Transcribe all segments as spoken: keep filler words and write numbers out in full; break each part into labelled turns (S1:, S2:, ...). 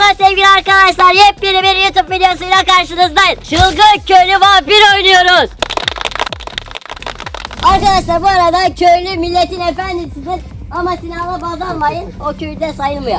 S1: Selamlar sevgili arkadaşlar. Yepyeni bir YouTube videosuyla karşınızdayız. Çılgın köylü vampir oynuyoruz. Arkadaşlar bu arada köylü milletin efendisidir. Ama silahla baz almayın. O köyde sayılmıyor.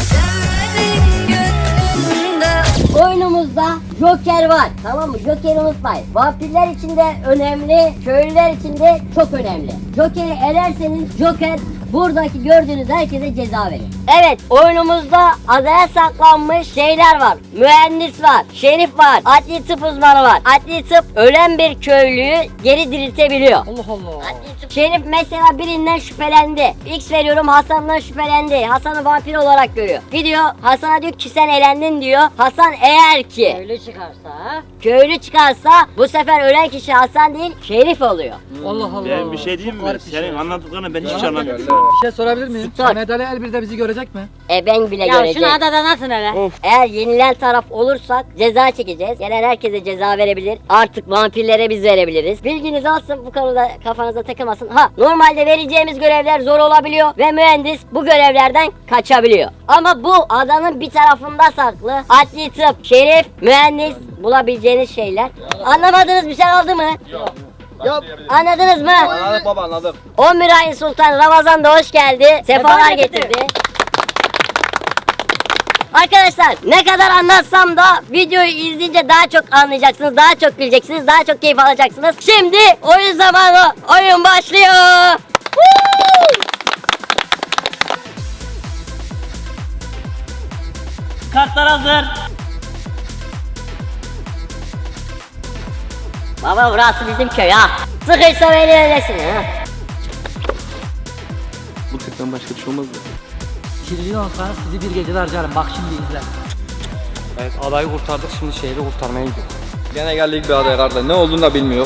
S1: Oyunumuzda Joker var. Tamam mı? Joker'i unutmayın. Vampirler için de önemli, köylüler için de çok önemli. Joker'i elerseniz Joker buradaki gördüğünüz herkese ceza verir. Evet, oyunumuzda adaya saklanmış şeyler var. Mühendis var, şerif var, adli tıp uzmanı var. Adli tıp ölen bir köylüyü geri diriltebiliyor.
S2: Allah Allah.
S1: Adli tıp şerif mesela birinden şüphelendi. X veriyorum, Hasan'dan şüphelendi. Hasan'ı vampir olarak görüyor. Gidiyor Hasan'a diyor ki sen elendin diyor. Hasan eğer ki
S2: Köylü çıkarsa.
S1: köylü çıkarsa bu sefer ölen kişi Hasan değil şerif oluyor.
S2: Allah Allah.
S3: Ben bir şey diyeyim mi?
S2: Çok garip bir
S3: Senin
S2: şey.
S3: anlattıklarını ben hiç
S2: Garip
S3: anlamıyorum.
S2: Bir şey sorabilir miyim?
S1: Sor.
S2: Mehmet Ali El birde bizi görecek mi?
S1: E ben bile
S4: Ya
S1: göreceğim.
S4: şunu adada nasıl hele?
S3: Of.
S1: Eğer yenilen taraf olursak ceza çekeceğiz. Gelen herkese ceza verebilir. Artık vampirlere biz verebiliriz. Bilginiz olsun, bu konuda kafanıza takılmasın. Ha, normalde vereceğimiz görevler zor olabiliyor ve mühendis bu görevlerden kaçabiliyor. Ama bu adanın bir tarafında saklı. Adli tıp, şerif, mühendis bulabileceğiniz şeyler. Anlamadığınız bir şey oldu mu?
S5: Yok.
S1: Anladınız mı?
S5: Anladım baba anladım.
S1: on bir ayın sultan Ramazan da hoş geldi. Sefalar getirdi. Arkadaşlar ne kadar anlatsam da videoyu izleyince daha çok anlayacaksınız, daha çok bileceksiniz, daha çok keyif alacaksınız. Şimdi oyun zamanı, oyun başlıyor. Woo!
S3: Kartlar hazır.
S1: Baba burası bizim köy ha. Sıkıysa beni öylesin ha.
S3: Bu tıktan başka bir şey olmaz mı?
S2: Kirli olsa sizi bir gecede harcarım. Bak şimdi izle.
S6: Evet, adayı kurtardık, şimdi şehri kurtarmaya gidiyoruz.
S5: Gene geldik bir adaya kardeş. Ne olduğunu da bilmiyor.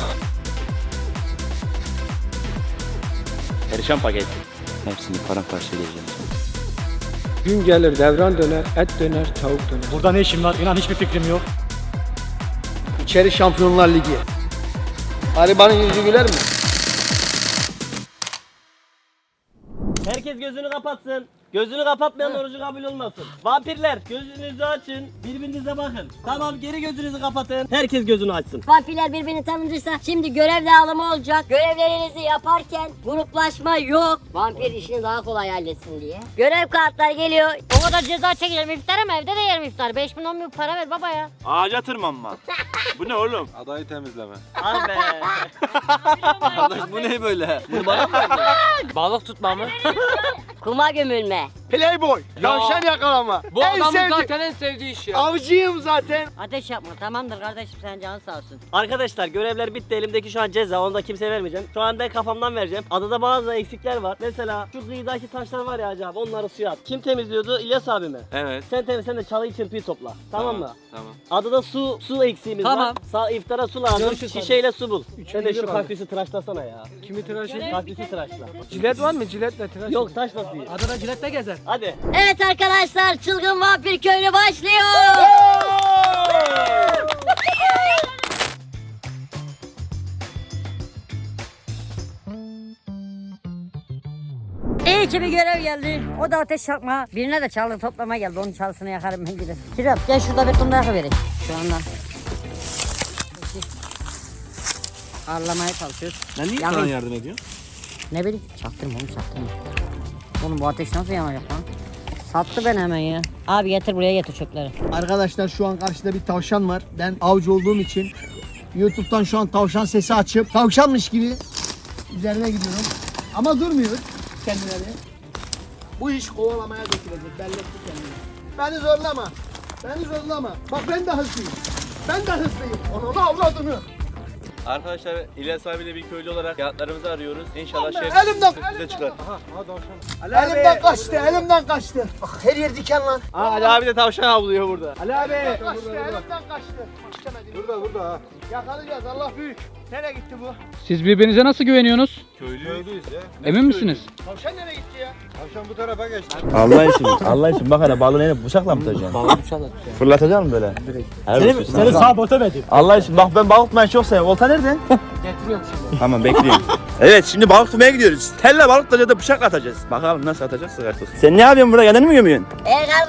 S3: Perişan paket. Hepsini paramparça edeceğim.
S6: Gün gelir, devran döner, et döner, tavuk döner.
S7: Burada ne işim var? İnan hiçbir fikrim yok.
S5: İçeri Şampiyonlar Ligi. Garibanın yüzü güler mi?
S8: Herkes gözünü kapatsın. Gözünü kapatmayan orucu kabul olmasın. Vampirler gözünüzü açın. Birbirinize bakın. Tamam, geri gözünüzü kapatın. Herkes gözünü açsın.
S1: Vampirler birbirini tanıdıysa şimdi görev dağılımı olacak. Görevlerinizi yaparken gruplaşma yok. Vampir işini daha kolay halletsin diye. Görev kartları geliyor.
S4: O kadar ceza çekeceğim iftara mı? Evde de yerim iftar. beş bin on bin para ver baba ya.
S3: Ağaca tırmanma. Bu ne oğlum?
S5: Adayı temizleme.
S8: Al be.
S5: Kardeş bu ne böyle? Bunu bana mı verdin?
S6: Balık tutma mı?
S1: Kuma gömülme.
S5: Playboy. Tavşan yakalama.
S6: Bu
S5: En
S6: adamın
S5: sevdiğim-
S6: zaten en sevdiği iş ya.
S5: Avcıyım zaten.
S4: Ateş yapma, tamamdır kardeşim, sen canın sağ olsun.
S8: Arkadaşlar görevler bitti. Elimdeki şu an ceza. Onu da kimseye vermeyeceğim. Şu an ben kafamdan vereceğim. Adada bazı eksikler var. Mesela şu kıyıdaki taşlar var ya acaba, onları suya at. Kim temizliyordu? İlyas abi mi?
S6: Evet.
S8: Sen temiz, sen de çalıyı çırpıyı topla. Tamam, mı?
S6: Tamam.
S8: Adada su su eksiğimiz
S2: Tamam.
S8: var. Sağ iftara su lazım.
S2: Görüşürüz
S8: Şişeyle su bul. Sen de
S2: bir
S8: şu
S2: abi.
S8: kaktüsü tıraşlasana ya.
S6: Kimi tıraşı?
S8: Kaktüsü tıraşla.
S6: Cilet var mı? Ciletle tıraş.
S8: Yok, taşla suyu.
S2: Adada cilette gezer.
S8: Hadi.
S1: Evet arkadaşlar, çılgın vampir köylü başlıyor.
S4: İyi ki bir görev geldi. O da ateş yakma. Birine de çalı toplama geldi. Onun çalısını yakarım ben giderim. Kirem gel şurada bir kumda yakıvereyim. Şu anda. Ağırlamaya çalışıyoruz.
S3: Ben niye
S4: Yakın.
S3: sana yardım ediyorsun?
S4: Ne bileyim, çaktırma oğlum, çaktırma. Oğlum bu ateş nasıl yanacak lan? Sattı ben hemen ya. Abi getir buraya, getir çöpleri.
S9: Arkadaşlar şu an karşıda bir tavşan var. Ben avcı olduğum için YouTube'dan şu an tavşan sesi açıp tavşanmış gibi üzerine gidiyorum. Ama durmuyor kendileri. Bu iş kovalamaya götürecek. Belletti kendini. Beni zorlama. Beni zorlama. Bak ben de hızlıyım. Ben de hızlıyım. Onu avradını.
S3: Arkadaşlar İlyas abiyle bir köylü olarak fiyatlarımızı arıyoruz. İnşallah şef
S9: Elimden,
S3: bize çıkar.
S9: elimden kaçtı, elimden kaçtı. Bak her yer diken lan.
S8: Aa, Ali abi de tavşan avlıyor burada.
S9: Ali abi. Kaçtı, elimden kaçtı. Burada, burada ha. Yakalayacağız, Allah büyük. Nereye gitti bu?
S7: Siz birbirinize nasıl güveniyorsunuz?
S5: Köylüyüz ya.
S7: Emin misiniz?
S9: Tavşan nereye gitti ya?
S5: Tavşan bu tarafa geçti.
S3: Allah için, Allah için bak hele balığı neyle bıçakla mı tutacaksın? Balığı bıçakla tutacaksın. Fırlatacak mısın böyle? Direkt.
S7: Seni sağ bota verdim.
S3: Allah için bak ben balık tutmayı çok seviyorum. Olta nerede?
S2: Getiriyorum şimdi.
S3: Tamam bekliyorum. Evet şimdi balık tutmaya gidiyoruz. Telle balık tutacağız da bıçakla atacağız. Bakalım nasıl atacağız artık. Sen ne yapıyorsun burada? Kendini mi gömüyorsun?
S1: Ey kardeş,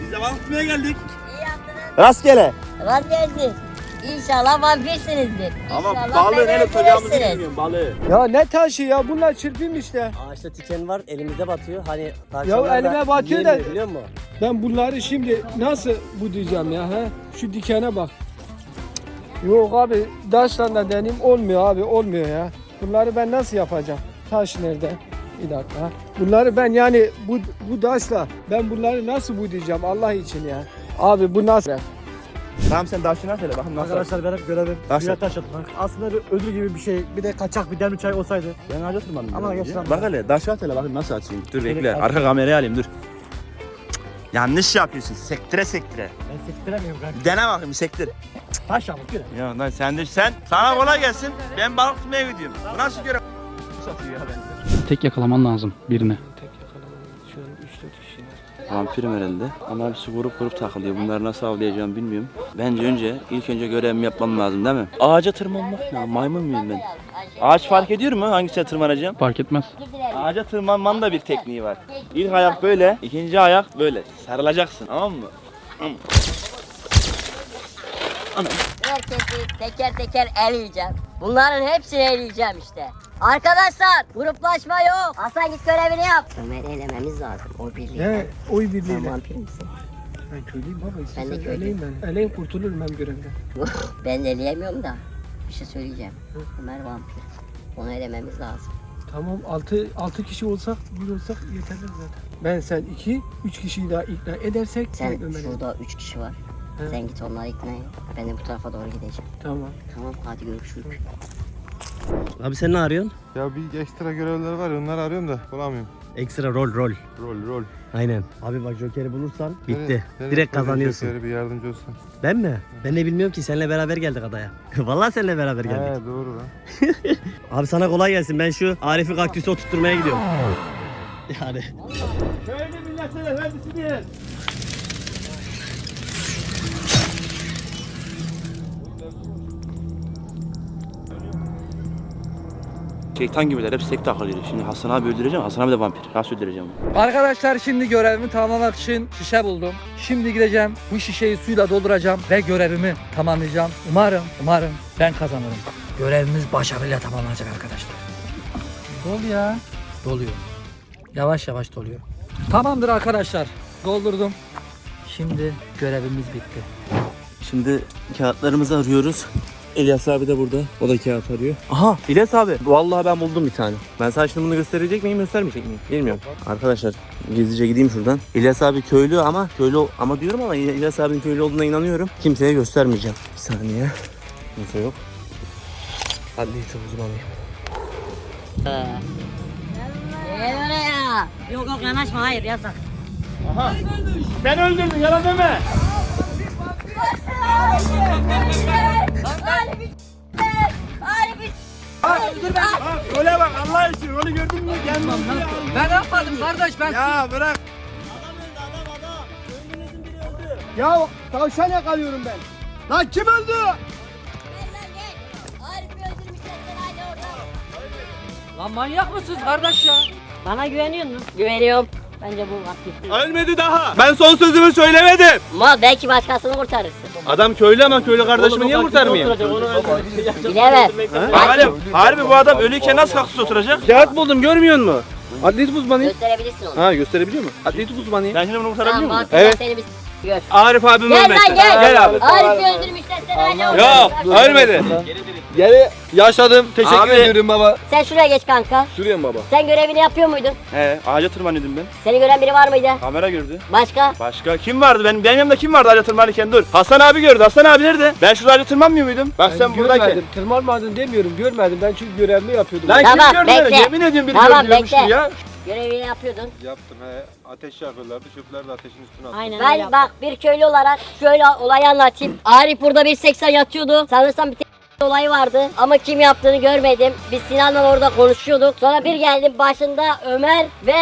S3: Biz de balık tutmaya geldik.
S1: İyi yaptınız.
S3: Rastgele.
S1: Rast gelsin. İnşallah vampirsinizdir.
S3: Ama
S1: İnşallah
S3: balığı
S1: beni
S3: nereye tutacağımızı
S1: öldürürsünüz.
S3: bilmiyorum balığı.
S6: Ya ne taşı ya bunlar çırpayım işte.
S8: Ağaçta tiken var elimize batıyor. Hani
S6: Ya
S8: tavşanlar da
S6: elime batıyor da-
S8: yiyemiyor, biliyor musun?
S6: Ben bunları şimdi nasıl bu diyeceğim ya he? Şu dikene bak. Yok abi taşla da deneyim olmuyor abi olmuyor ya. Bunları ben nasıl yapacağım? Taş nerede? Bir dakika. Bunları ben yani bu bu taşla ben bunları nasıl bu diyeceğim Allah için ya. Abi bu nasıl?
S3: Tamam sen daşını söyle bakın nasıl.
S7: Arkadaşlar benim görevim
S3: Nasıl?
S7: suya taş atmak. Aslında bir ödül gibi bir şey. Bir de kaçak bir demli çay olsaydı.
S3: Ben ağaca tırmandım.
S7: Ama
S3: biraz
S7: geç
S3: önce.
S7: lan.
S3: Bak hele daşı at hele bakın nasıl atayım. Dur
S7: Şöyle
S3: bekle
S7: at.
S3: arka kamerayı alayım dur. Cık, yanlış yapıyorsun sektire sektire.
S7: Ben sektiremiyorum kanka.
S3: Bir dene bakayım bir sektir.
S7: Taş yağmur göre.
S3: Ya lan sen de sen sana kolay gelsin. Ben balık tutmaya gidiyorum. Bu nasıl görev? Satıyor ya ben.
S7: Tek yakalaman lazım birini.
S6: Şu an üç dört kişi var.
S3: Vampirim herhalde ama hepsi grup grup takılıyor. Bunları nasıl avlayacağım bilmiyorum. Bence önce ilk önce görevimi yapmam lazım değil mi? Ağaca tırmanmak ya maymun muyum ben? Ağaç fark ediyor mu hangisine tırmanacağım?
S7: Fark etmez.
S3: Ağaca tırmanmanın da bir tekniği var. İlk ayak böyle, ikinci ayak böyle. Sarılacaksın tamam mı?
S1: Herkesi teker teker eleyeceğim. Bunların hepsini eleyeceğim işte. Arkadaşlar gruplaşma yok. Hasan git görevini yap. Ömer'i elememiz lazım. O birliği.
S6: He oy
S1: Sen
S6: birliğiyle.
S1: vampir misin?
S6: Ben köylüyüm baba
S1: Ben de
S6: istiyorsan
S1: köylüyüm.
S6: eleyim ben. Eleyim kurtulurum ben görevden.
S1: Ben de eleyemiyorum da. Bir şey söyleyeceğim. Ömer vampir. Onu elememiz lazım.
S6: Tamam altı altı kişi olsak bir olsak yeterli zaten. Ben sen iki, üç kişiyi daha ikna edersek
S1: Sen
S6: direkt Ömer'e-
S1: şurada üç kişi var.
S6: He.
S1: Sen git onları ikna et. Ben de bu tarafa doğru gideceğim.
S6: Tamam.
S1: Tamam hadi görüşürüz.
S8: Abi sen ne arıyorsun?
S10: Ya bir ekstra görevler var ya onları arıyorum da bulamıyorum.
S8: Ekstra rol rol.
S10: Rol rol.
S8: Aynen. Abi bak Joker'i bulursan bitti.
S10: Nereye- nereye
S8: Direkt
S10: koyacağım
S8: kazanıyorsun.
S10: Joker'i, bir yardımcı olsun.
S8: Ben mi? Ben de bilmiyorum ki seninle beraber geldik adaya. Vallahi seninle beraber geldik.
S10: He doğru lan.
S8: Abi sana kolay gelsin. Ben şu Arif'i kaktüsü oturtmaya gidiyorum. Yani.
S3: Köylü milletin efendisidir. Şeytan gibiler hepsi tek takılıyor. Şimdi Hasan abi öldüreceğim. Hasan abi de vampir. Nasıl öldüreceğim?
S2: Arkadaşlar şimdi görevimi tamamlamak için şişe buldum. Şimdi gideceğim bu şişeyi suyla dolduracağım ve görevimi tamamlayacağım. Umarım, umarım ben kazanırım. Görevimiz başarıyla tamamlanacak arkadaşlar. Dol ya. Doluyor. Yavaş yavaş doluyor. Tamamdır arkadaşlar. Doldurdum. Şimdi görevimiz bitti.
S3: Şimdi kağıtlarımızı arıyoruz. İlyas abi de burada. O da kağıt arıyor. Aha İlyas abi. Vallahi ben buldum bir tane. Ben sana şimdi bunu gösterecek miyim göstermeyecek miyim? Bilmiyorum. Arkadaşlar gizlice gideyim şuradan. İlyas abi köylü ama köylü ol- ama diyorum ama İlyas abinin köylü olduğuna inanıyorum. Kimseye göstermeyeceğim. Bir saniye. Kimse yok. Hadi neyse uzmanıyım.
S1: Gel oraya.
S4: Yok yok yanaşma hayır yasak.
S3: Sen öldürdün yalan deme. Öyle bak Allah için rolü gördün mü? Gelmem lan.
S2: Ben yapmadım kardeş ben.
S3: Ya bırak.
S9: Ya tavşan yakalıyorum ben. Lan kim öldü?
S2: Lan manyak mısınız kardeş ya?
S1: Bana güveniyor musun? Güveniyorum. Bence bu vampir.
S3: Ölmedi daha. Ben son sözümü söylemedim.
S1: Mal belki başkasını kurtarırsın.
S3: Adam köylü ama köylü kardeşimi niye kurtarmayayım?
S1: Bilemem.
S3: Harbi, harbi bu adam ölüyken nasıl kaktüs oturacak? Kağıt buldum görmüyor musun?
S6: Atlet uzmanıyım.
S1: Gösterebilirsin onu.
S6: Ha gösterebiliyor mu? Atlet uzmanıyım.
S3: Ben şimdi bunu kurtarabiliyor
S1: Tamam
S3: muyum?
S1: vampirler
S6: Evet.
S1: seni bir s- gör.
S3: Arif abim
S1: Gel
S3: ölmedi.
S1: lan gel.
S3: Gel abi.
S1: Arif'i öldürmüşler seni hala
S3: Yok
S1: orada.
S3: ölmedi.
S6: Geri yaşadım. Teşekkür
S3: Abi.
S6: ediyorum baba.
S1: Sen şuraya geç kanka.
S6: Sürüyorum baba.
S1: Sen görevini yapıyor muydun?
S3: He ağaca tırmanıyordum ben.
S1: Seni gören biri var mıydı?
S3: Kamera gördü.
S1: Başka?
S3: Başka kim vardı? Benim, benim yanımda kim vardı ağaca tırmanırken dur. Hasan abi gördü. Hasan abi nerede? Ben şurada ağaca tırmanmıyor muydum? Bak sen buradayken.
S6: Görmedim. Tırmanmadın demiyorum. Görmedim. Ben çünkü görevimi yapıyordum.
S3: Lan
S1: Tamam,
S3: kim gördü beni?
S1: bekle.
S3: Yemin ediyorum biri
S1: Tamam,
S3: gördü diyormuşum
S1: bekle.
S3: ya.
S1: Görevini yapıyordun.
S10: Yaptım he. Ateş yakıyorlardı. Çöpler de ateşin üstüne attım.
S4: Aynen öyle
S1: Ben
S4: yaptım.
S1: bak bir köylü olarak şöyle olayı anlatayım. Arif burada bir seksen yatıyordu. Sanırsam bir tek olayı vardı ama kim yaptığını görmedim. Biz Sinan'la orada konuşuyorduk. Sonra bir geldim başında Ömer ve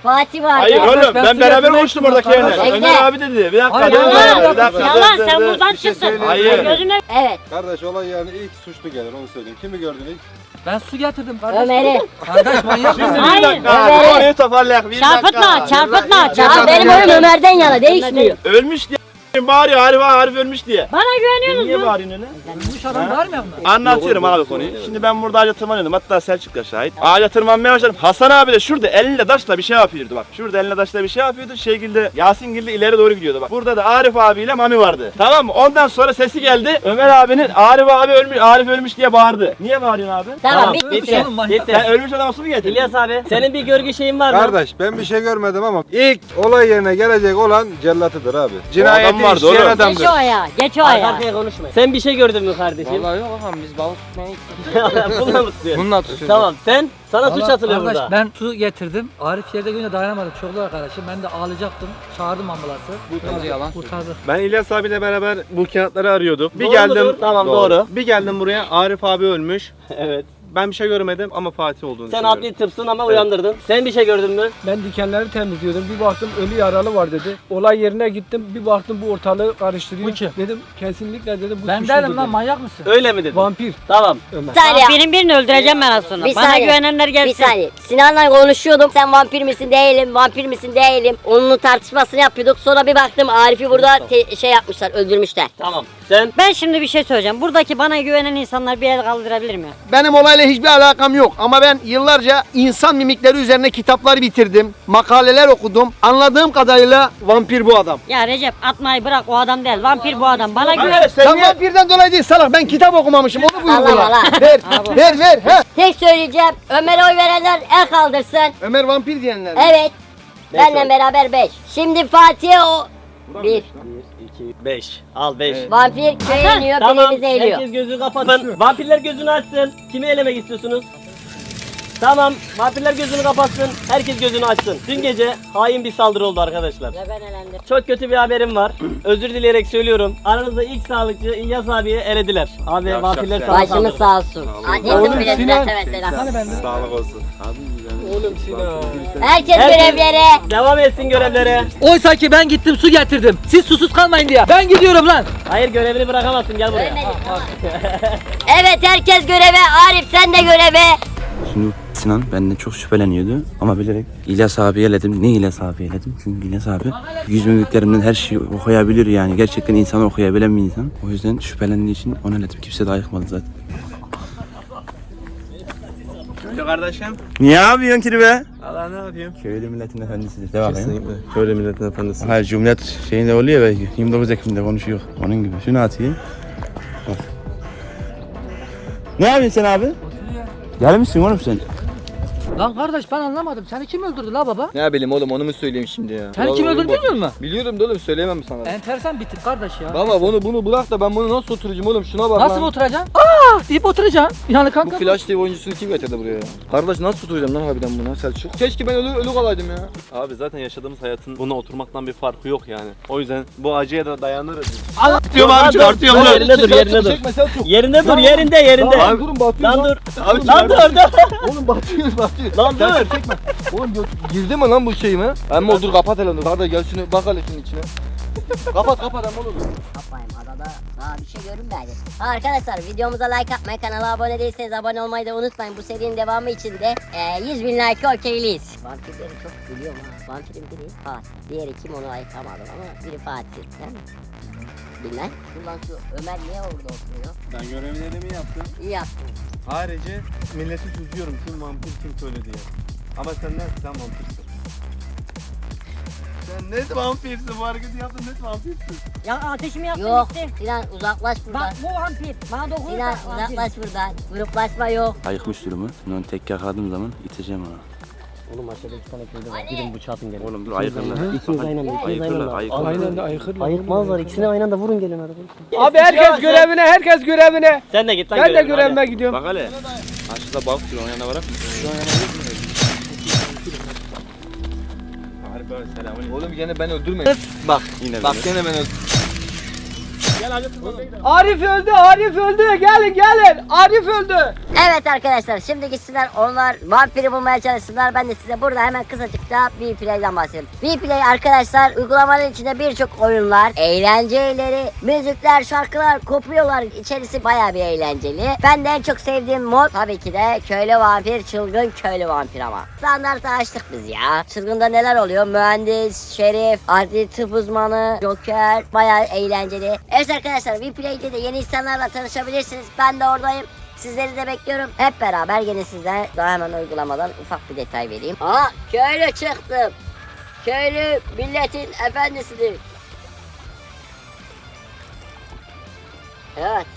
S1: Fatih vardı.
S3: Hayır
S2: Kardeş,
S3: oğlum
S2: ben
S3: ben
S2: su
S3: beraber
S2: getirmek
S3: konuştum
S2: istiyorum
S3: oradaki
S2: kardeş.
S3: yerler.
S1: Bekle.
S3: Ömer abi dedi. Bir dakika.
S2: Hayır,
S3: dur,
S2: yalan,
S3: dur, bir dakika,
S4: Yalan
S3: dur,
S4: sen
S3: dur.
S4: buradan
S10: Bir şey
S4: çıksın.
S10: söyleyeyim.
S3: Hayır.
S4: Gözüne
S1: Evet.
S10: Kardeş olay yani ilk suçlu gelir onu söyleyeyim. Kimi gördün ilk?
S2: Ben su getirdim kardeş.
S1: Ömer'i.
S2: Kardeş manyak
S3: Şimdi
S2: mısın?
S3: bir
S4: Hayır.
S3: dakika.
S1: Evet.
S3: Konuyu toparlayak. Bir
S4: Çarpıtma,
S3: dakika.
S4: çarpıtma,
S1: Ya
S4: çarpıtma.
S1: benim oyun Ömer'den yana değişmiyor.
S3: Ölmüş diye bağırıyor. Arif Arif ölmüş diye.
S4: Bana güveniyorsunuz
S3: Niye
S4: mu?
S3: bağırıyorsun öyle?
S2: Ölmüş adam var mı yanında?
S3: Anlatıyorum abi konuyu. Şimdi ben burada ağaca tırmanıyordum. Hatta Selçuk da şahit. Ağaca tırmanmaya başladım. Hasan abi de şurada elle taşla bir şey yapıyordu bak. Şurada elle taşla bir şey yapıyordu. Şekilde Yasin Gilli ileri doğru gidiyordu bak. Burada da Arif abiyle Mami vardı. Tamam mı? Ondan sonra sesi geldi. Ömer abinin Arif abi ölmüş, Arif ölmüş diye bağırdı. Niye bağırıyorsun abi?
S1: Tamam bitti.
S2: Ölmüş oğlum manyak.
S8: Bitti.
S3: Sen ölmüş adamı su mu getirdin?
S8: İlyas abi senin bir görgü şeyin var mı?
S10: Kardeş ben bir şey görmedim ama ilk olay yerine gelecek olan cellatıdır abi. Cinayeti
S3: vardı
S10: işleyen
S3: oğlum.
S10: adamdır.
S4: Geç o ayağa, geç o
S8: Arka
S4: ayağa.
S8: arkaya konuşma. Sen bir şey gördün mü kardeşim?
S7: Vallahi yok ağam biz balık tutmaya gittik.
S8: Bununla mı tutuyorsun?
S7: Bununla tutuyoruz.
S8: Tamam sen sana suç
S2: Vallahi
S8: atılıyor
S2: kardeş,
S8: burada.
S2: Ben su getirdim. Arif yerde görünce dayanamadım. Çok zor arkadaşım. Ben de ağlayacaktım. Çağırdım ambulansı.
S7: Bence yalan
S2: Kurtardı.
S3: Ben İlyas abiyle beraber bu kağıtları arıyorduk. Bir
S8: Doğru
S3: geldim.
S8: mudur? Tamam, doğru.
S3: Bir geldim buraya. Arif abi ölmüş.
S8: Evet.
S3: Ben bir şey görmedim ama Fatih olduğunu
S8: Sen
S3: düşünüyorum.
S8: adli tıpsın ama uyandırdın. Sen bir şey gördün mü?
S6: Ben dikenleri temizliyordum. Bir baktım ölü yaralı var dedi. Olay yerine gittim. Bir baktım bu ortalığı karıştırıyor.
S2: Bu kim?
S6: Dedim kesinlikle dedim bu
S2: Ben
S6: suçludur
S2: derim lan
S6: dedim.
S2: manyak mısın?
S8: Öyle mi dedin?
S6: Vampir
S8: Tamam.
S6: Ömer.
S1: Bir saniye.
S4: Birini birini öldüreceğim ben az sonra.
S1: Bir
S4: Bana
S1: saniye.
S4: güvenenler
S1: Bir
S4: gelsin.
S1: saniye. Sinan'la konuşuyordum. Sen vampir misin değilim, vampir misin değilim. Onun tartışmasını yapıyorduk. Sonra bir baktım Arif'i burada te- şey yapmışlar, öldürmüşler.
S8: Tamam. Sen
S4: Ben şimdi bir şey söyleyeceğim. Buradaki bana güvenen insanlar bir el kaldırabilir mi?
S9: Benim olayla hiçbir alakam yok ama ben yıllarca insan mimikleri üzerine kitaplar bitirdim, makaleler okudum. Anladığım kadarıyla vampir bu adam.
S4: Ya Recep atmayı bırak, o adam değil. Vampir bu adam. Bana güven.
S3: Arkadaş sen
S9: Sen
S3: niye...
S9: vampirden dolayı değil salak, ben kitap okumamışım, onu
S1: Allah
S9: uygula.
S1: Allah.
S9: Ver, ver, ver. He.
S1: Tek söyleyeceğim, Ömer'e oy verenler el kaldırsın.
S9: Ömer vampir diyenler.
S1: Evet. Benle beraber beş. Şimdi Fatih'e o... Bir.
S8: iki, beş. Al beş.
S1: Vampir köye iniyor,
S8: Tamam.
S1: birimizi eğiliyor.
S8: Herkes gözünü kapatsın. Vampirler gözünü açsın. Kimi elemek istiyorsunuz? Tamam. Vampirler gözünü kapatsın. Herkes gözünü açsın. Dün gece hain bir saldırı oldu arkadaşlar.
S4: Ve ben elendim.
S8: Çok kötü bir haberim var. Özür dileyerek söylüyorum. Aranızda ilk sağlıkçı İlyas abiye elediler. Abi vampirler sana
S1: Başımız
S8: saldırdı.
S1: sağ olsun. Annem bile
S6: Sinan.
S1: mesela.
S2: Hani ben de?
S3: Sağlık olsun.
S6: Oğlum Sinan.
S1: Herkes
S8: Herkes-
S1: görevlere.
S8: Devam etsin görevlere.
S2: Oysa ki ben gittim su getirdim. Siz susuz kalmayın diye. Ben gidiyorum lan.
S8: Hayır görevini bırakamazsın gel buraya.
S1: Ölmedi, tamam. Evet herkes göreve. Arif sen de göreve.
S11: Şimdi Sinan benden çok şüpheleniyordu ama bilerek İlyas abi eledim. Ne İlyas abi eledim? Çünkü İlyas abi yüz mimiklerimden her şeyi okuyabilir yani. Gerçekten insanı okuyabilen bir insan. O yüzden şüphelendiği için onu eledim. Kimse de ayıkmadı zaten.
S3: Köylü kardeşim. Niye yapıyorsun ki be? Allah ne yapayım?
S11: Köylü milletin efendisidir. Devam ya.
S3: Köylü milletin efendisi.
S11: Hayır Cumhuriyet şeyinde oluyor ya belki. yirmi dokuz Ekim'de konuşuyor. Onun gibi. Şunu atayım. Bak. Ne yapıyorsun sen abi? Gelmişsin oğlum sen.
S2: Lan kardeş ben anlamadım. Seni kim öldürdü la baba?
S7: Ne bileyim oğlum onu mu söyleyeyim şimdi ya?
S2: Seni kim öldürdü bilmiyor musun?
S7: Biliyorum da oğlum söyleyemem sana.
S2: Enteresan bitir kardeş ya.
S7: Baba bunu bunu bırak da ben bunu nasıl oturacağım oğlum şuna bak
S2: Nasıl
S7: lan.
S2: oturacaksın? Aa deyip oturacaksın. Yani
S7: Bu
S2: kanka.
S7: Flash T V oyuncusunu kim getirdi buraya ya? Kardeş nasıl oturacağım lan harbiden buna Selçuk? Keşke ben ölü, ölü kalaydım ya.
S3: Abi zaten yaşadığımız hayatın buna oturmaktan bir farkı yok yani. O yüzden bu acıya da dayanırız.
S8: Dur abi çıkartıyorum dur. Yerinde dur yerinde dur.
S7: Çekme Selçuk.
S8: Yerinde dur yerinde yerinde.
S7: Lan durun batıyor
S8: Lan
S7: lan.
S8: dur.
S7: Abi
S8: Lan dur dur.
S7: Oğlum batıyor batıyor.
S8: Lan dur.
S7: Çekme. Oğlum gö- girdi mi lan bu şey mi? Ama dur kapat hele dur. Kardeş gel şunu bak hele şunun içine. kapat kapat ama oğlum.
S1: Yapmayın adada daha bir şey görünmedi. Ha, arkadaşlar videomuza like atmayı, kanala abone değilseniz abone olmayı da unutmayın. Bu serinin devamı için de e, yüz bin like okeyliyiz. Vampirleri çok biliyorum ha. Vampirin biri Fatih. Diğeri kim onu ayıkamadım ama biri Fatih. Değil mi? Bilmem. Ulan şu Ömer niye orada oturuyor?
S3: Ben görevlerimi yaptım.
S1: İyi yaptın.
S3: Ayrıca milleti süzüyorum kim vampir kim köylü diye. Ama sen ne? Sen vampirsin. Sen net vampirsin. Bu hareketi yaptın net vampirsin.
S4: Ya ateşimi yaktın
S1: Yok
S4: gitti.
S1: Sinan uzaklaş buradan.
S4: Bak bu vampir. Bana dokunursa
S1: Sinan
S4: vampir.
S1: uzaklaş buradan. Gruplaşma yok.
S11: Ayıkmış durumu. Şimdi onu tek yakaladığım zaman iteceğim onu.
S8: Oğlum aşağıda iki tane köylü var. Gidin bıçağı atın gelin.
S11: Oğlum dur ayıkırlar.
S8: İkiniz aynı anda. ikiniz aynı
S11: Ayıkırlar
S8: anda.
S11: ayıkırlar.
S6: Aynen de ayıkırlar.
S8: Ayıkmazlar. İkisini aynı anda vurun gelin hadi.
S6: Abi herkes görevine, herkes görevine.
S8: Sen de git lan
S6: Ben de
S8: görevine,
S6: görevime
S8: hadi.
S6: gidiyorum.
S3: Bak hele. Aşağıda bak şunu onun yanına bırak. Şu an yanına Harbi abi selamünaleyküm.
S7: Oğlum gene ben öldürmedim. Bak
S3: Yine
S7: bak
S3: beni.
S7: gene ben öldüm.
S8: Gel hadi tırmanalım.
S6: Arif öldü, Arif öldü. Gelin gelin. Arif öldü.
S1: Evet arkadaşlar şimdi gitsinler onlar vampiri bulmaya çalışsınlar. Ben de size burada hemen kısacıkta V-Play'den bahsedeyim. V-Play arkadaşlar uygulamanın içinde birçok oyunlar, eğlenceleri, müzikler, şarkılar kopuyorlar. İçerisi bayağı bir eğlenceli. Ben de en çok sevdiğim mod tabii ki de köylü vampir, çılgın köylü vampir ama. Standartı açtık biz ya. Çılgında neler oluyor? Mühendis, şerif, adli tıp uzmanı, joker, bayağı eğlenceli. Evet arkadaşlar V-Play'de de yeni insanlarla tanışabilirsiniz. Ben de oradayım. Sizleri de bekliyorum. Hep beraber yine sizden daha hemen uygulamadan ufak bir detay vereyim. Aa köylü çıktım. Köylü milletin efendisidir. Evet.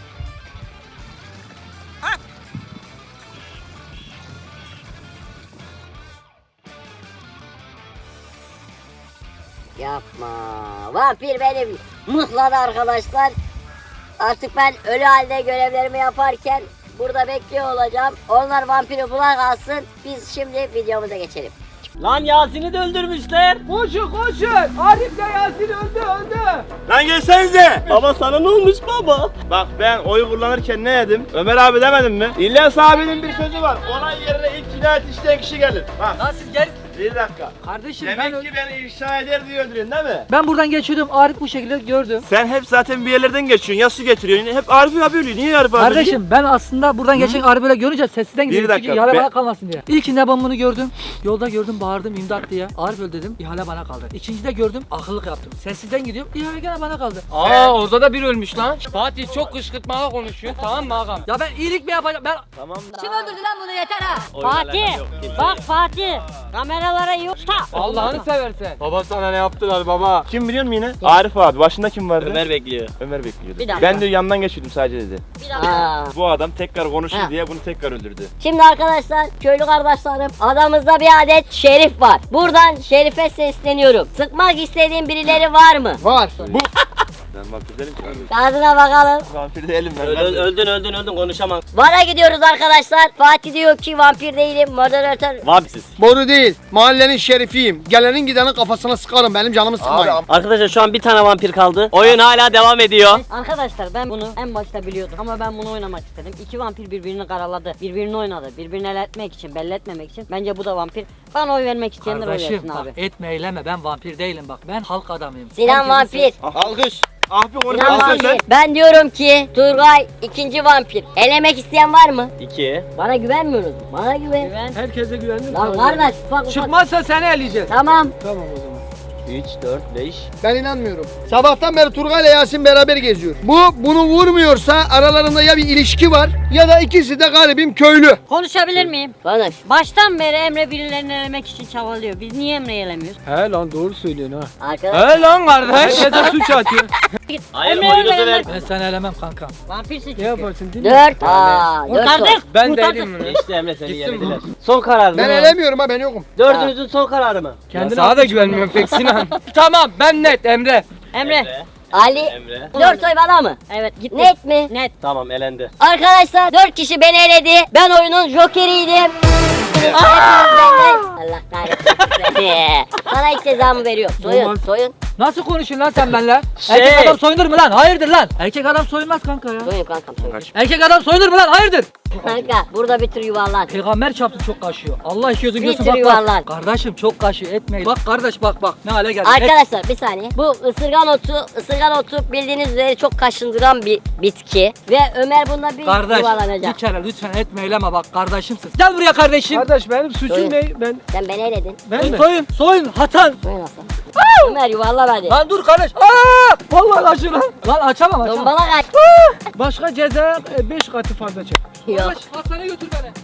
S1: Yapma. Vampir benim mıhladı arkadaşlar. Artık ben ölü halde görevlerimi yaparken burada bekliyor olacağım. Onlar vampiri bulan kalsın. Biz şimdi videomuza geçelim.
S8: Lan Yasin'i de öldürmüşler.
S6: Koşun koşun. Arif de Yasin öldü öldü.
S3: Lan gelsenize.
S8: Baba sana ne olmuş baba?
S3: Bak ben oy kullanırken ne dedim? Ömer abi demedim mi? İlyas abinin bir sözü var. Ona yerine ilk cinayet işleyen kişi gelir. Bak.
S2: Lan siz gel.
S3: Bir dakika.
S2: Kardeşim
S3: Demek
S2: ben,
S3: ki beni ifşa eder diye öldürüyorsun değil mi?
S2: ben buradan geçiyordum. Arif bu şekilde gördüm.
S3: Sen hep zaten bir yerlerden geçiyorsun. Ya su getiriyorsun. Hep Arif abi ölüyor. Niye Arif abi ölüyor?
S2: Kardeşim ben aslında buradan geçen Arif böyle görünce sessizden
S3: Bir
S2: gidiyorum.
S3: dakika,
S2: Çünkü ihale
S3: ben-
S2: bana kalmasın diye. İlkinde ben bunu gördüm. Yolda gördüm bağırdım imdat diye. Arif öl dedim. İhale bana kaldı. İkincide gördüm akıllık yaptım. Sessizden gidiyorum. İhale gene bana kaldı.
S6: Aa orada da bir ölmüş lan. Fatih çok kışkırtmalı konuşuyor. Tamam mı ağam?
S2: Ya ben iyilik mi yapacağım? Ben
S3: Tamam.
S1: Kim öldürdü lan bunu yeter ha?
S4: Fatih. Bak Fatih. Kameralara yok da.
S6: Allah'ını seversen.
S10: Baba sana ne yaptılar baba?
S3: Kim biliyor musun yine? Arif abi. Başında kim vardı?
S8: Ömer bekliyor.
S3: Ömer bekliyordu.
S1: Bir dakika.
S3: Ben de yandan geçiyordum sadece dedi.
S1: Bir dakika.
S3: Bu adam tekrar konuşur
S1: Ha.
S3: diye bunu tekrar öldürdü.
S1: Şimdi arkadaşlar köylü kardeşlerim adamızda bir adet şerif var. Buradan şerife sesleniyorum. Sıkmak istediğin birileri var mı?
S9: Var.
S3: Bu ben vampir değilim ki abi.
S1: Kağıdına bakalım.
S3: Vampir değilim ben.
S8: Öl-
S3: ben
S8: öl-
S3: de-
S8: öldün öldün öldün konuşamam.
S1: Vara gidiyoruz arkadaşlar. Fatih diyor ki vampir değilim. Moderatör.
S8: Vampsiz.
S9: Boru değil. Mahallenin şerifiyim. Gelenin gidenin kafasına sıkarım. Benim canımı sıkmayın.
S8: Arkadaşlar şu an bir tane vampir kaldı. Oyun hala devam ediyor.
S4: Arkadaşlar ben bunu en başta biliyordum ama ben bunu oynamak istedim. İki vampir birbirini karaladı, birbirini oynadı, birbirini el etmek için, belli etmemek için. Bence bu da vampir. Bana oy vermek isteyenler oy
S2: kardeşim
S4: versin
S2: bak
S4: abi.
S2: etme eyleme ben vampir değilim bak. Ben halk adamıyım.
S1: Sinan
S2: Herkesin
S1: vampir.
S3: Alkış. Ah bir
S1: Sinan
S3: konuşalım
S1: vampir.
S3: sen.
S1: Ben diyorum ki Turgay ikinci vampir. Elemek isteyen var mı?
S8: İki.
S1: Bana güvenmiyorsunuz. Bana güven.
S4: Güven.
S6: Herkese güvendim.
S1: Lan kardeş ufak ufak.
S6: Çıkmazsa seni eleyeceğiz.
S1: Tamam.
S6: Tamam o zaman.
S8: üç, dört, beş.
S9: Ben inanmıyorum. Sabahtan beri Turgay ile Yasin beraber geziyor. Bu bunu vurmuyorsa aralarında ya bir ilişki var ya da ikisi de galibim köylü.
S4: Konuşabilir miyim?
S1: Konuş.
S4: Baştan beri Emre birilerini elemek için çabalıyor. Biz niye Emre'yi elemiyoruz?
S6: He lan doğru söylüyorsun ha.
S1: Arkadaşlar.
S6: He lan kardeş. Herkese suç atıyor.
S8: Hayır
S4: Emre
S8: oyunu
S4: öyle
S8: ver.
S2: Ben seni elemem kanka.
S4: Vampirsin
S6: Ne
S4: çünkü.
S6: yaparsın değil mi?
S1: Dört. Aa, dört var.
S4: Kurtardık.
S6: Ben
S4: kurtardık.
S6: değilim bunu.
S8: Geçti Emre seni yenildiler. Son karar
S9: Ben
S8: mı?
S9: elemiyorum ha ben yokum.
S8: Dördünüzün son kararı mı?
S6: Kendine sana da güvenmiyorum pek Sinan. Tamam ben net Emre.
S4: Emre.
S1: Ali.
S8: Emre.
S1: Dört oy bana mı?
S4: Evet gitti.
S1: Net mi?
S4: Net.
S8: Tamam elendi.
S1: Arkadaşlar dört kişi beni eledi. Ben oyunun jokeriydim. Hepiniz benden- Allah kahretsin seni. Sana ilk cezamı veriyor. Soyun,
S6: Olmaz.
S1: soyun.
S2: Nasıl konuşuyorsun lan sen benimle?
S8: Şey-
S2: Erkek adam soyunur mu lan? Hayırdır lan? Erkek adam soyunmaz kanka ya.
S1: Soyun kankam soyun.
S2: Erkek adam soyunur mu lan? Hayırdır?
S1: Kanka burada bir tür yuvarlan.
S2: Peygamber çarptı çok kaşıyor. Allah işi gözün
S1: Bir
S2: göğsü
S1: sürü
S2: bak
S1: yuvarlan.
S2: bak. Kardeşim çok kaşıyor etmeyin. Bak kardeş bak bak ne hale geldi.
S1: Arkadaşlar bir saniye. Bu ısırgan otu, ısırgan otu bildiğiniz üzere çok kaşındıran bir bitki. Ve Ömer bunda bir
S2: Kardeş bir
S1: yuvarlanacak.
S2: kere lütfen etme eyleme bak kardeşimsin. Gel buraya kardeşim.
S6: Kardeş benim suçum
S1: Soyun.
S6: ne? Ben
S1: Sen beni eledin.
S6: ben mi?
S2: Soyun soyun hatan.
S1: Soyun aslan. Ömer yuvarlan hadi.
S2: Lan dur kardeş. Aa! Vallahi kaşıyor lan. Lan açamam açamam.
S1: Tombala kaç.
S6: Başka ceza beş katı fazla çek.
S1: Yok.
S2: Kardeş hastaneye götür beni.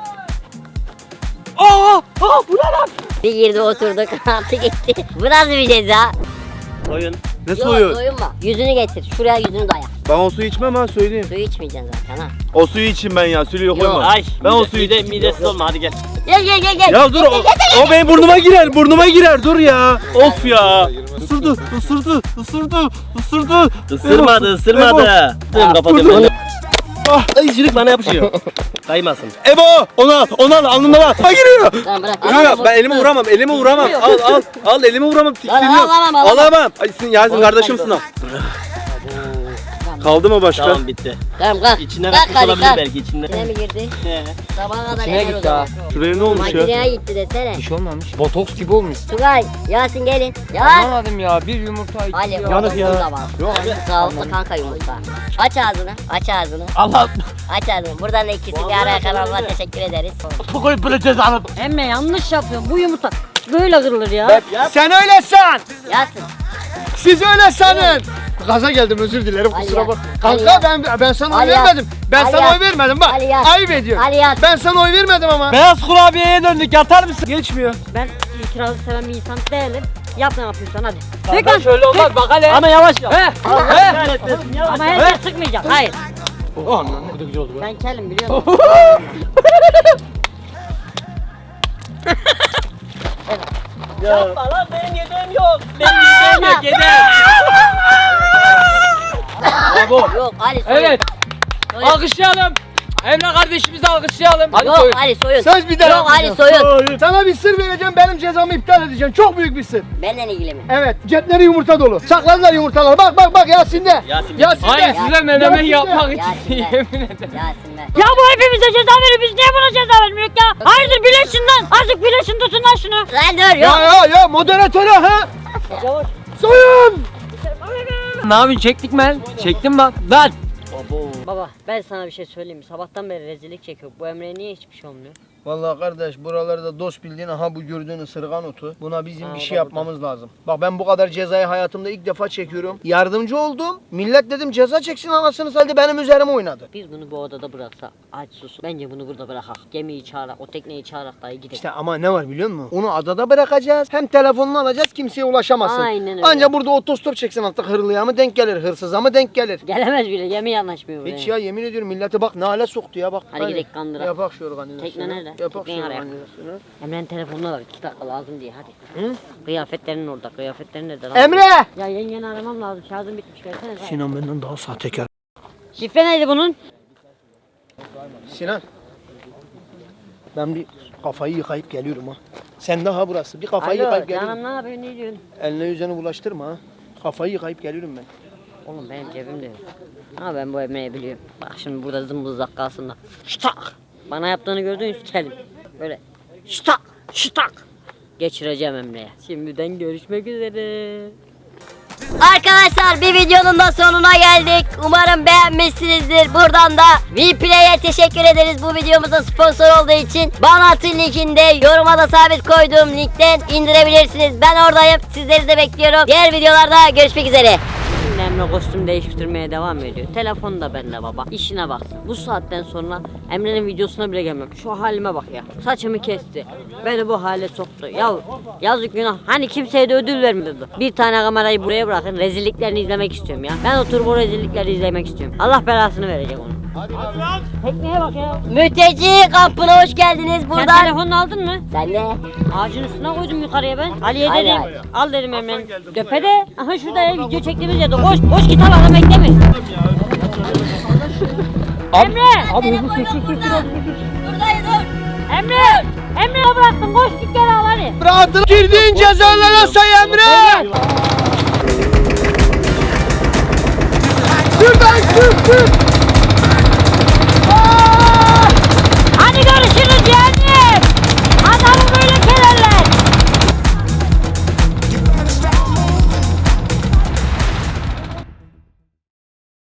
S2: Aa! Aa bu ne lan?
S1: Bir girdi oturduk. Altı gitti. Bu nasıl bir ceza?
S8: Oyun.
S3: Ne
S1: Yok
S3: soyuyor?
S1: soyunma. Yüzünü getir. Şuraya yüzünü daya.
S3: Ben o suyu içmem ha söyleyeyim.
S1: Suyu içmeyeceksin zaten ha.
S3: O suyu içeyim ben ya. Suyu yok
S1: Yok.
S3: koyma.
S8: Ay.
S3: Ben o
S8: mide-
S3: suyu
S8: mide,
S3: içeyim.
S8: midesiz olma hadi gel.
S1: Gel gel gel gel.
S3: Ya dur o, o benim burnuma girer. Burnuma girer. Dur ya. Of ya. Isırdı. Isırdı. Isırdı. Isırdı.
S8: Isırmadı ısırmadı. Tüm kapatıyorum.
S3: Ah.
S8: Ay çürük bana yapışıyor. Kaymasın.
S3: Ebo! Onu al. Onu al. Alnımdan al. Ha giriyor.
S1: Tamam bırak.
S3: Yok yok ben elimi vuramam. Elimi vuramam. Al al. Al elimi vuramam.
S1: Lan
S3: Tiksiniyor.
S1: alamam, alamam.
S3: Alamam. Ay sen Yasin kardeşimsin al. Kaldı mı başka?
S8: Tamam bitti.
S1: Tamam kalk.
S8: İçine
S1: Kalk
S8: katmış
S1: hadi
S8: olabilir
S1: kalk.
S8: belki içinde.
S1: İçine mi girdi?
S8: He.
S1: Sabaha kadar
S6: İçine
S1: emer o
S6: gitti
S1: zaman.
S6: ha.
S3: Şuraya ne olmuş ya?
S1: Makineye gitti desene.
S6: Bir şey olmamış. Botoks gibi olmuş.
S1: Tugay, Yasin gelin. Ya.
S6: Anlamadım ya. Bir yumurta iki
S1: Ali
S6: ya.
S1: yanık
S8: ya.
S1: Da var. Yok sağlıklı kanka yumurta. Aç ağzını, aç ağzını.
S8: Allah.
S1: Aç ağzını. Buradan da ikisi bir araya kanalına teşekkür ederiz.
S8: Koy böyle cezanı.
S4: Emre yanlış yapıyorsun. Bu yumurta böyle kırılır ya.
S9: Sen öyle san.
S1: Yasin.
S9: Siz öyle sanın. Gaza geldim özür dilerim
S1: Ali
S9: kusura
S1: ya.
S9: bak.
S1: Ali
S9: Kanka
S1: ya.
S9: ben ben sana oy
S1: Ali ya.
S9: vermedim. Ben
S1: Ali
S9: sana
S1: ya.
S9: oy vermedim bak.
S1: Ali ya.
S9: Ayıp ediyorsun.
S1: Ali ya.
S9: Ben sana oy vermedim ama.
S8: Beyaz kurabiyeye döndük yatar mısın?
S9: Geçmiyor.
S4: Ben itirazı seven bir insan değilim. Yap ne yapıyorsan hadi.
S6: Kanka şöyle olmaz bak hele.
S8: Ama yavaş yap.
S6: He.
S8: Allah
S6: He.
S8: kahretmesin yavaş.
S4: Ama her şey sıkmayacak. Hayır.
S8: Oh anam ne kadar güzel oldu be.
S4: Ben kelim biliyor musun?
S8: Yapma lan benim yedeğim yok. Benim yedeğim yok yedeğim.
S6: Bravo.
S1: Yok Ali soyun.
S6: Evet.
S1: Soyun.
S6: Alkışlayalım. Emre kardeşimizi alkışlayalım. Hadi
S1: Yok
S6: soyun.
S1: Ali soyun.
S9: Söz bir daha
S1: Yok Ali
S9: yapmayacağım.
S1: soyun.
S9: Sana bir sır vereceğim benim cezamı iptal edeceğim. Çok büyük bir sır.
S1: Benden ilgili mi?
S9: Evet cepleri yumurta dolu. Sakladılar yumurtaları. Bak bak bak Yasin'de.
S8: Yasin.
S9: Yasin'de.
S6: Hayır size menemen
S9: Yasin'de.
S6: yapmak için
S1: Yasin'de.
S6: yemin ederim.
S1: Yasin ver.
S4: Ya bu hepimize ceza veriyor. Biz niye buna ceza vermiyoruz ya? Hayırdır birleşin lan. Azıcık birleşin tutun lan şunu.
S1: Lan dur
S9: Ya
S1: yok.
S9: ya ya moderatöre ha.
S4: Yavaş.
S9: Soyun.
S6: Ne yapayım çektik mi? Çektim bak. Lan.
S4: Baba ben sana bir şey söyleyeyim mi? Sabahtan beri rezillik çekiyor. Bu Emre'ye niye hiçbir şey olmuyor?
S9: Vallahi kardeş buralarda dost bildiğin aha bu gördüğün ısırgan otu. Buna bizim
S4: Aa,
S9: bir
S4: bak
S9: şey yapmamız lazım. Bak ben bu kadar cezayı hayatımda ilk defa çekiyorum. Yardımcı oldum. Millet dedim ceza çeksin anasını saldı benim üzerime oynadı.
S4: Biz bunu bu odada bıraksak aç sus. Bence bunu burada bırakak. Gemiyi çağırak, o tekneyi çağırak dahi gidelim.
S9: İşte ama ne var biliyor musun? Onu adada bırakacağız. Hem telefonunu alacağız kimseye ulaşamazsın.
S4: Aynen öyle.
S9: Anca burada otostop çeksin artık hırlıya mı denk gelir, hırsıza mı denk gelir.
S4: Gelemez bile. Gemi yanaşmıyor buraya.
S9: Hiç ya yemin ediyorum millete bak ne hale soktu ya bak.
S4: Hadi gidelim kandıra.
S9: Yapak şu organizasyonu.
S4: Tekne nerede?
S9: Yapak
S4: Tekneyi
S9: şu
S4: araya.
S9: organizasyonu.
S4: Emre'nin telefonuna bak. iki dakika lazım diye hadi.
S9: Hı?
S4: Kıyafetlerin orada. Kıyafetlerin nerede lan?
S9: Emre!
S4: Ya yengeni aramam lazım. Şarjım bitmiş. Versene. Sinan.
S9: Sinan benden daha sahtekar.
S4: Şifre neydi bunun?
S9: Sinan. Ben bir kafayı yıkayıp geliyorum ha. Sen daha burası. Bir kafayı
S4: Alo
S9: yıkayıp geliyorum.
S4: canım ne yapıyorsun? Ne diyorsun?
S9: Eline yüzüne bulaştırma ha. Kafayı yıkayıp geliyorum ben.
S4: Oğlum benim cebimde yok. Ama ben bu Emre'yi biliyorum. Bak şimdi burada zımbızlak kalsın da. Ştak! Bana yaptığını gördünüz kelim. Böyle ştak! Ştak! Geçireceğim Emre'ye. Şimdiden görüşmek üzere.
S1: Arkadaşlar bir videonun da sonuna geldik. Umarım beğenmişsinizdir. Buradan da Vplay'e teşekkür ederiz bu videomuza sponsor olduğu için. Banat'ın linkinde yoruma da sabit koyduğum linkten indirebilirsiniz. Ben oradayım. Sizleri de bekliyorum. Diğer videolarda görüşmek üzere.
S4: Şimdi Emre kostüm değiştirmeye devam ediyor. Telefon da bende baba. İşine baksın. Bu saatten sonra Emre'nin videosuna bile gelmem. Şu halime bak ya. Saçımı kesti. Beni bu hale soktu. Ya yazık günah. Hani kimseye de ödül vermiyordu. Bir tane kamerayı buraya bırakın. Rezilliklerini izlemek istiyorum ya. Ben oturup o rezillikleri izlemek istiyorum. Allah belasını verecek onu. Tekneye bak ya.
S1: Mülteci kampına hoş geldiniz.
S4: Sen
S1: Buradan
S4: telefonunu aldın mı?
S1: ben de
S4: Ağacın üstüne koydum yukarıya ben. Ali'ye
S1: Hayır,
S4: dedim.
S1: hayır.
S4: Al dedim Emre'nin. Döpede. Aha şurada ya video çektiğimiz yerde. Koş koş git al adam bekleme. Emre.
S6: Abi hızlı çek çek çek.
S1: buradayız dur.
S4: Emre. Emre'ye bıraktım. Koş git gel al hadi.
S9: Rahatına girdiğin cezalara say Emre! Şuradan sür sür!